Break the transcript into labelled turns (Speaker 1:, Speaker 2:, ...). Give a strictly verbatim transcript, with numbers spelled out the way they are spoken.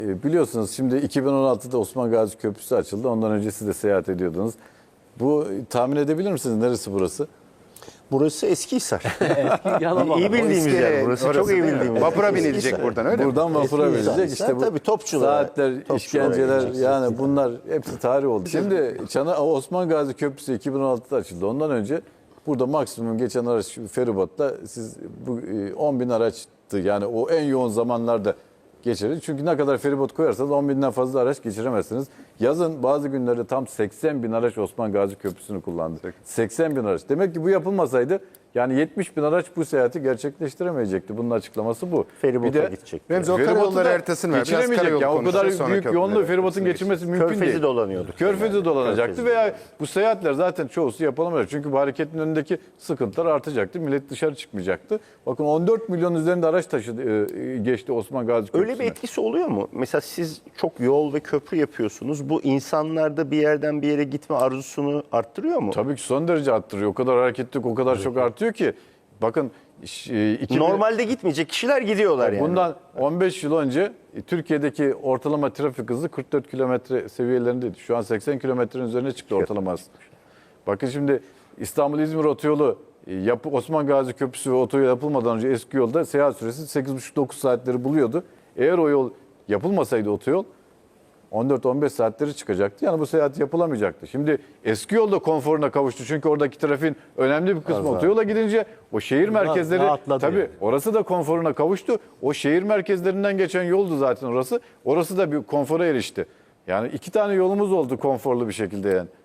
Speaker 1: E, Biliyorsunuz şimdi iki bin on altıda Osman Gazi Köprüsü açıldı. Ondan önce siz de seyahat ediyordunuz. Bu tahmin edebilir misiniz neresi burası?
Speaker 2: Burası Eskihisar.
Speaker 3: Yalan
Speaker 2: iyi bildiğimiz
Speaker 4: eski
Speaker 2: yer.
Speaker 4: ev,
Speaker 2: Burası
Speaker 4: orası
Speaker 2: çok iyi
Speaker 4: değil mi?
Speaker 2: bildiğimiz.
Speaker 4: Vapura
Speaker 2: yer.
Speaker 4: binilecek
Speaker 2: Eskihisar.
Speaker 4: buradan öyle mi?
Speaker 1: Buradan vapura
Speaker 2: Eskihisar.
Speaker 1: verilecek. İşte bu
Speaker 2: Tabii topçulara.
Speaker 1: saatler,
Speaker 2: Topçulara
Speaker 1: işkenceler
Speaker 2: gideceksin.
Speaker 1: yani bunlar hepsi tarih oldu. Şimdi Çana Osman Gazi Köprüsü iki bin on altıda açıldı. Ondan önce burada maksimum geçen araç feribotta siz bu e, on bin araçtı. Yani o en yoğun zamanlarda geçirir. Çünkü ne kadar feribot koyarsanız on binden fazla araç geçiremezsiniz. Yazın bazı günlerde tam seksen bin araç Osman Gazi Köprüsü'nü kullandı. seksen bin araç. Demek ki bu yapılmasaydı yani yetmiş bin araç bu seyahati gerçekleştiremeyecekti. Bunun açıklaması bu.
Speaker 2: Feribota gidecek.
Speaker 4: Remzi o
Speaker 1: Feribotu
Speaker 4: karayolları
Speaker 1: da
Speaker 4: haritasını ver. Biraz
Speaker 1: geçiremeyecek.
Speaker 4: karayolu
Speaker 1: Ya o kadar
Speaker 4: konuşuruz, sonra
Speaker 1: büyük
Speaker 4: köprüleri
Speaker 1: yoğunluğu feribotun
Speaker 4: haritasını
Speaker 1: geçirmesi
Speaker 4: geçeceğiz.
Speaker 1: mümkün
Speaker 2: Körfezi
Speaker 1: değil.
Speaker 2: dolanıyorduk.
Speaker 1: Körfezi dolanacaktı
Speaker 2: Körfezi.
Speaker 1: veya bu seyahatler zaten çoğusu yapılamayacak. Çünkü bu hareketin önündeki sıkıntılar artacaktı. Millet dışarı çıkmayacaktı. Bakın on dört milyon üzerinde araç taşıdı, e, geçti Osman Gazi Köprüsü'ne.
Speaker 2: Öyle bir etkisi oluyor mu? Mesela siz çok yol ve köprü yapıyorsunuz. Bu insanlarda bir yerden bir yere gitme arzusunu arttırıyor mu?
Speaker 1: Tabii ki son derece arttırıyor. O kadar hareketlilik o kadar çok artıyor ki. Bakın e, iki bin
Speaker 2: Normalde gitmeyecek kişiler gidiyorlar yani.
Speaker 1: Bundan on beş yıl önce e, Türkiye'deki ortalama trafik hızı kırk dört kilometre seviyelerindeydi. Şu an seksen kilometrenin üzerine çıktı ortalama hız. Bakın şimdi İstanbul-İzmir otoyolu, e, yapı, Osman Gazi Köprüsü ve otoyol yapılmadan önce eski yolda seyahat süresi sekiz buçuk dokuz saatleri buluyordu. Eğer o yol yapılmasaydı otoyol on dört on beş saatleri çıkacaktı. Yani bu seyahat yapılamayacaktı. Şimdi eski yolda konforuna kavuştu. Çünkü oradaki trafiğin önemli bir kısmı otoyola gidince o şehir merkezleri
Speaker 3: rahatladı
Speaker 1: tabii
Speaker 3: yani.
Speaker 1: orası da konforuna kavuştu. O şehir merkezlerinden geçen yoldu zaten orası. Orası da bir konfora erişti. Yani iki tane yolumuz oldu konforlu bir şekilde yani.